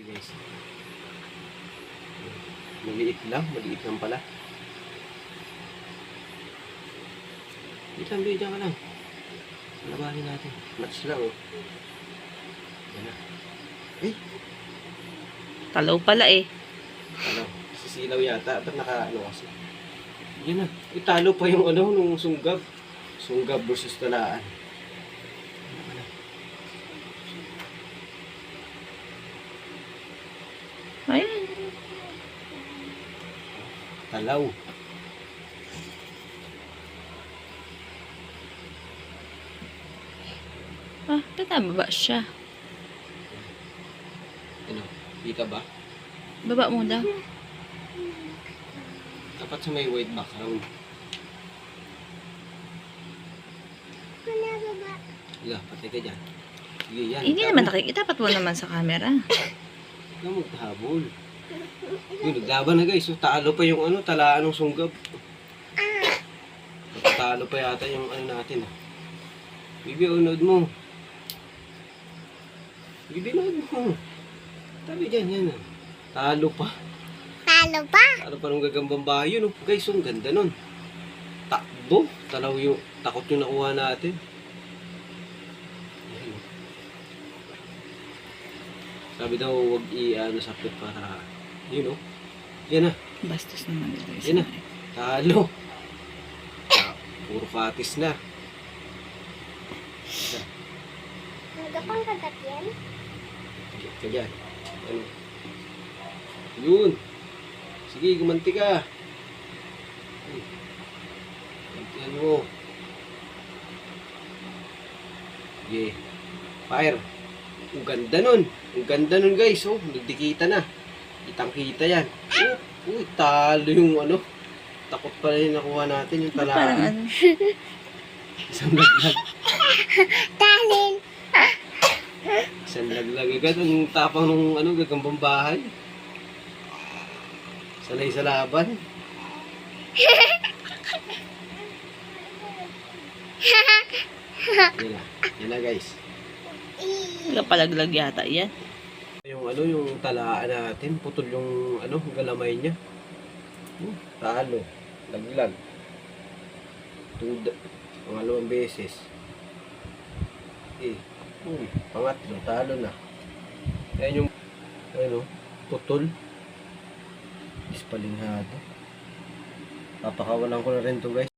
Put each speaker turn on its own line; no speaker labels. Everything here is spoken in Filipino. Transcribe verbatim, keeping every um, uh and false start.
Guys, maliit lang, maliit lang pala. Dito lang, dito ka lang. Labanin natin. Match lang, oh. Yan na. Eh,
Talaw pala eh.
ano, sisilaw yata. Ba't naka, ano kasi? Yan na. Italo pa yung ano, nung sunggab. Sunggab versus talaan.
Ayan.
Talaw.
Ah, tataba siya.
Ano, kita ba?
Baba mo daw.
Dapat sa may white background. Wala, patay ka dyan. Sige, yan.
Hindi naman nakikita. Itapat mo naman sa camera.
Huwag na magtahabol. Yun, naglaban na guys. So, talo pa yung ano, talaan ng sunggab. Talo pa yata yung ano natin. Ah. Bibi, unod mo. Bibi, unod mo. Tabi dyan, yan. Ah. Talo pa.
Talo pa?
Talo pa nung gagambang bayo. No? Guys, ang ganda nun. Takbo. Talaw yung, takot yung nakuha natin. Ayan. Sabi daw, huwag i-ano sa pit para, yun o. Yan na.
Bastos naman ito.
Yan na. Talo. Ah, puro katis na.
Nagapang kagat yan?
Higit ka dyan. Ano? Yun. Sige, gumanti ka. Hmm. Gumantihan mo. Sige. Fire. Ang ganda nun. Ang ganda nun guys. Oh, nagdikita na. Kitang-kita yan. Oh, uy, talo yung ano. Takot pala yung nakuha natin yung talaan.
Parang ano.
Isang laglag.
Talin!
Isang laglag agad. Ang tapang nung ano, gagambang bahay. Sanay sa laban. Yan na. Yan na guys.
Kapalaglag yata yan.
Yung ano, yung talaan natin, putol yung ano, galamay niya. Hmm, talo. Laglag. Tuda. Pangalawang beses. Eh, hmm, pangatlo, talo na. Ayan yung, ano, putol. Ispalinghado. Papakawalan ko na rin to guys.